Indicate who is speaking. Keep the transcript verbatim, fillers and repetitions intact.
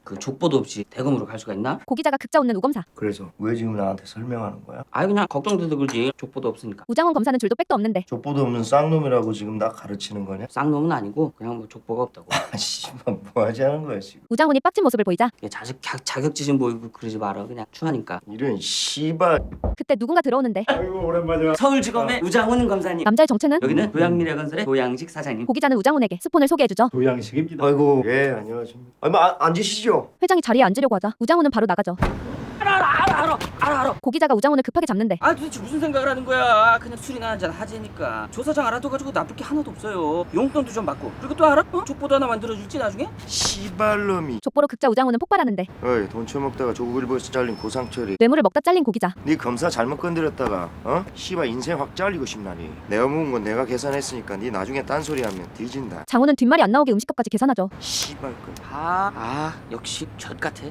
Speaker 1: 그 족보도 없이 대검으로 갈 수가 있나?
Speaker 2: 고 기자가 극자 웃는 우검사.
Speaker 3: 그래서 왜 지금 나한테 설명하는 거야?
Speaker 1: 아이 그냥 걱정돼서 그러지. 족보도 없으니까.
Speaker 2: 우장훈 검사는 줄도 백도 없는데.
Speaker 3: 족보도 없는 쌍놈이라고 지금 나 가르치는 거냐?
Speaker 1: 쌍놈은 아니고 그냥 뭐 족보가 없다고.
Speaker 3: 아 씨발 뭐 하자는 거야 지금?
Speaker 2: 우장훈이 빡친 모습을 보이자
Speaker 1: 얘 자식 자, 자격지심 보이고 그러지 마라. 그냥 추하니까.
Speaker 3: 이런 씨발.
Speaker 2: 그때 누군가 들어오는데
Speaker 1: 서울지검의 우장훈 검사님.
Speaker 2: 남자의 정체는?
Speaker 1: 여기는 도양미래건설의 도양식 사장님.
Speaker 2: 고 기자는 우장훈에게 스폰을 소개해주죠.
Speaker 4: 도양식입니다.
Speaker 3: 아이고 예 안녕하십니까. 아니 아, 앉으시죠.
Speaker 2: 회장이 자리에 앉으려고 하자 우장훈은 바로 나가죠.
Speaker 1: 알아 알아 알아 알아 알아 알아.
Speaker 2: 고 기자가 우장훈을 급하게 잡는데
Speaker 1: 아 도대체 무슨 생각을 하는 거야? 그냥 술이나 한잔 하재니까. 조사장 알아둬가지고 나쁠 게 하나도 없어요. 용돈도 좀 받고. 그리고 또 알아? 어? 족보도 하나 만들어줄지 나중에?
Speaker 3: 씨발놈이.
Speaker 2: 족보로 극자 우장훈은 폭발하는데
Speaker 3: 어이 돈 처먹다가 조국일보에서 잘린 고상철이.
Speaker 2: 뇌물을 먹다 잘린 고 기자.
Speaker 3: 네 검사 잘못 건드렸다가 어? 씨발 인생 확 잘리고 싶나니. 내가 묵은 건 내가 계산했으니까 네 나중에 딴소리하면 뒤진다.
Speaker 2: 장훈은 뒷말이 안 나오게 음식값까지 계산하죠.
Speaker 3: 씨발 거.
Speaker 1: 아, 아 역시 젖 같아.